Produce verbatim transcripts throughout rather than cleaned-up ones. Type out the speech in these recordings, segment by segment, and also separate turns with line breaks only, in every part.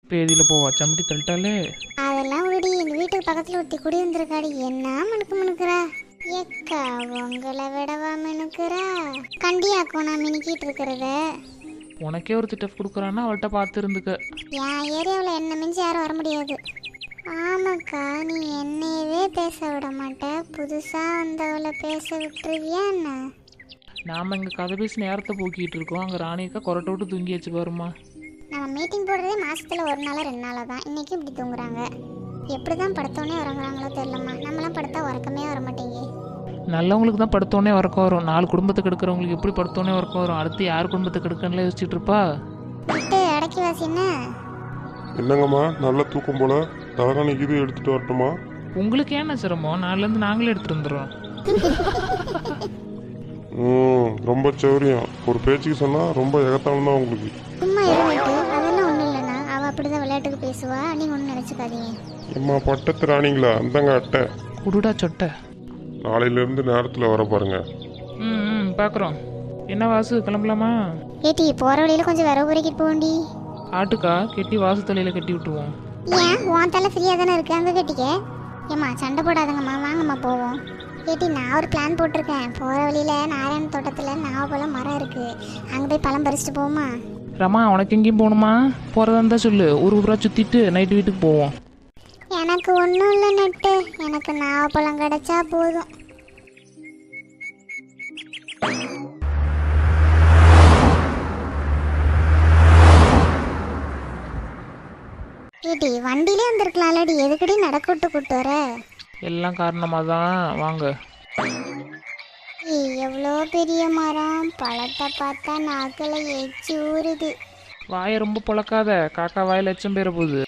பேதியில் போவா சமட்டி தள்ளிட்டாலே.
அதெல்லாம் விடி. எங்க வீட்டுக்கு பக்கத்துல ஒருத்தி குடி வந்திருக்காடி. என்ன மினுக்கு மினுக்குறா ஏக்கா, உங்களை விடவா மினுக்குறா? கண்டியாக்கும் நான் மினுக்கிட்டு இருக்கிறத.
உனக்கே ஒரு திட்டப் கொடுக்குறான்னா அவள்கிட்ட பார்த்து இருந்துக்க.
என் ஏரியாவில் என்ன மிஞ்சி யாரும் வர முடியாது. ஆமாக்கா, நீ என்னையவே பேச விட மாட்ட, புதுசா வந்தவளை பேச விட்டுருவியா என்ன?
நாம் இங்கே கதை பேசி நேரத்தை போக்கிட்டு இருக்கோம். அங்கே ராணியக்கா கொரட்டை விட்டு தூங்கியாச்சு பாருமா.
நம்ம மீட்டிங் போடுறதே மாசத்துல ஒரு நாளா ரெண்டு நாளா தான். இன்னைக்கு இப்படி தூங்குறாங்க. எப்படிதான் படுத்தோடனே உறங்குறாங்களோ தெரியலம்மா. நம்மளாம் படுத்தா உறக்கமே வர மாட்டேங்க.
நல்லவங்களுக்கு தான் படுத்தோடனே உறக்கம் வரும். நாலு குடும்பத்துக்கு எடுக்கிறவங்களுக்கு எப்படி படுத்தோடனே உறக்கம் வரும்? அடுத்து யார் குடும்பத்துக்கு எடுக்கணும்ல யோசிச்சுட்டு இருப்பா.
விட்டு அடக்கி வாசி. என்ன
என்னங்கம்மா, நல்ல தூக்கம் போல. தலகாணிக்கு இது எடுத்துட்டு வரட்டுமா?
உங்களுக்கு ஏன்னா சிரமம்? நாலுலேருந்து நாங்களே எடுத்துட்டு வந்துடுறோம்.
ம் ரொம்ப சௌரியம். ஒரு பேச்சுக்கு சொன்னா ரொம்ப எகத்தாலும் தான் உங்களுக்கு.
சும்மா இருந்துட்டு அதெல்லாம் ஒன்றும் இல்லைண்ணா. அவள் அப்படிதான் விளையாட்டுக்கு பேசுவா. நீங்கள் ஒன்றும் நினச்சிக்காதீங்க.
அம்மா பட்டத்து ராணிங்களா, அந்தங்க அட்டை.
குடுடா சொட்டை.
நாளையிலேருந்து நேரத்தில் வர பாருங்க.
ம் ம் பார்க்குறோம். என்ன வாசு, கிளம்பலாமா?
ஏட்டி, போகிற வழியில் கொஞ்சம் விரவு பொறுக்கிட்டு போண்டி.
ஆட்டுக்கா கெட்டி வாசு தலையில் கட்டி விட்டுருவோம்.
ஏன் உன் தலை ஃப்ரீயாக தானே இருக்கு, அங்கே கட்டிக்க. ஏம்மா சண்டை போடாதங்கம்மா, வாங்கம்மா போவோம். ஏட்டி, நான் ஒரு பிளான் போட்டிருக்கேன். போகிற வழியில் நாராயண தோட்டத்தில் நாவப்பழம் மரம் இருக்குது. அங்கே போய் பழம் பறிச்சுட்டு போவோமா?
ரமா, உனக்கு எங்கேயும் போகணுமா? போகிறதா இருந்தால் சொல்லு, ஒரு ஊராக சுற்றிட்டு நைட்டு வீட்டுக்கு போவோம்.
எனக்கு ஒன்றும் இல்லை நட்டு. எனக்கு நாவப்பழம் கிடைச்சா போதும். ஏட்டி, வண்டியிலே வந்திருக்கலாம்லடி. எதுக்கடி நடக்க விட்டு கூட்டு வர?
எல்லாம் காரணமாக தான். வாங்க.
ஏய், எவ்வளோ பெரிய மரம். பழத்தை பார்த்தா நாக்கில் எச்சி ஊறுது.
வாயை ரொம்ப பொழக்காத, காக்கா வாயில் எச்சம் பேர போகுது.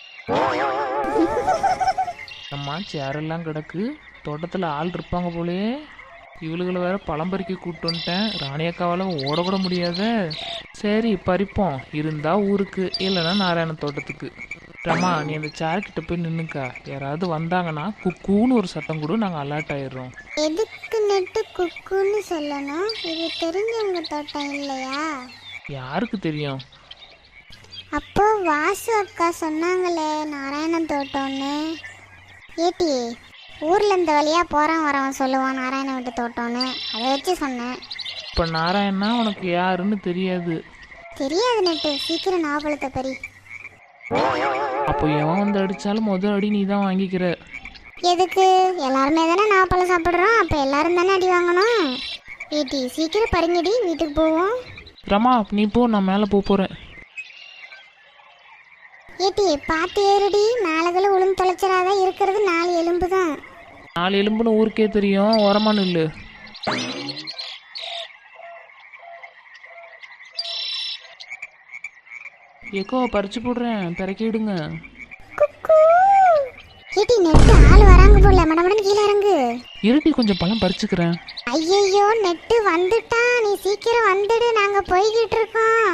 அம்மா சேரெல்லாம் கிடக்கு. தோட்டத்தில் ஆள் இருப்பாங்க போலே. இவளுகளை வேற பழம் பறிக்க கூப்பிட்டு வந்துட்டேன். ராணியக்காவால் ஓடக்கூட முடியாத. சரி பறிப்போம். இருந்தா ஊருக்கு, இல்லைன்னா நாராயண தோட்டத்துக்கு. ரமா, நீ அந்த சேர்கிட்ட போய் நின்னுக்கா. யாராவது வந்தாங்கன்னா குக்கூன்னு ஒரு சத்தம் கூட, நாங்கள் அலர்ட் ஆயிடுறோம்.
எதுக்கு நட்டு குக்குன்னு சொல்லணும்? இது தெரிஞ்சவங்க தோட்டம் இல்லையா?
யாருக்கு தெரியும்?
அப்போ வாசு அக்கா சொன்னாங்களே நாராயணன் தோட்டம்னு. ஏட்டி, ஊர்ல இந்த வழியா போறான் வரவன் சொல்லுவான் நாராயண வீட்டு தோட்டம்னு. அதை வச்சு சொன்னேன்.
இப்போ நாராயணனா உனக்கு யாருன்னு தெரியாது.
தெரியாது நட்டு. சீக்கிரம் நாவப்பழத்தை பறி.
அப்போ எவன் வந்து அடித்தாலும் முதல் அடி நீ தான் வாங்கிக்கிற.
எதுக்கு? எல்லாருமே தானே நாவப்பழம் சாப்பிட்றோம். அப்போ எல்லாரும் தானே அடி வாங்கணும். ஏட்டி, சீக்கிரம் பறிங்கடி, வீட்டுக்கு போவோம்.
ரமா நீ போ, நான் மேலே போக போகிறேன்.
ஏட்டி, பார்த்து ஏறுடி. மேலகளை உளுந்து தொலைச்சிடாத. இருக்கிறது நாலு எலும்பு தான்.
நாலு எலும்புன்னு ஊருக்கே தெரியும். உரமான இல்லை. ஏக்கோ பறிச்சு போடுறேன், பிறக்கிடுங்க.
ஏட்டி, நெட்டு ஆள் வராங்க போல. மடமடன் கீழே இறங்கு.
இருட்டி, கொஞ்சம் பழம் பறிச்சுக்கிறேன்.
ஐயையோ, நெட்டு வந்துட்டா. நீ சீக்கிரம் வந்துடு, நாங்க போய்கிட்டு இருக்கோம்.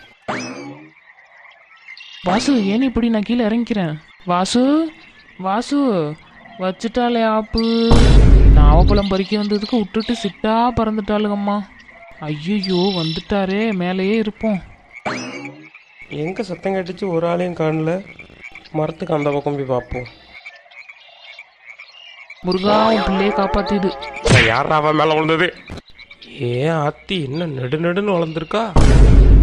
வாசு, ஏன் இப்படி? நான் கீழே இறங்கிக்கிறேன். வாசு வாசு வச்சுட்டாலே ஆப்பு. நாவப்பழம் பறிக்க வந்ததுக்கு விட்டுட்டு சிட்டா பறந்துட்டாளுங்கம்மா. ஐயோ வந்துட்டாரே, மேலேயே இருப்போம்.
எங்கே சத்தம் கட்டிச்சு? ஒரு ஆளையும் காணல. மரத்துக்கு அந்த பக்கம் போய் பார்ப்போம்.
முருகா, உன் பிள்ளையை காப்பாத்திடு.
யாரா அவன் மேலே விழுந்தது? ஏன் ஆத்தி என்ன நெடு நெடுன்னு வளர்ந்துருக்கா?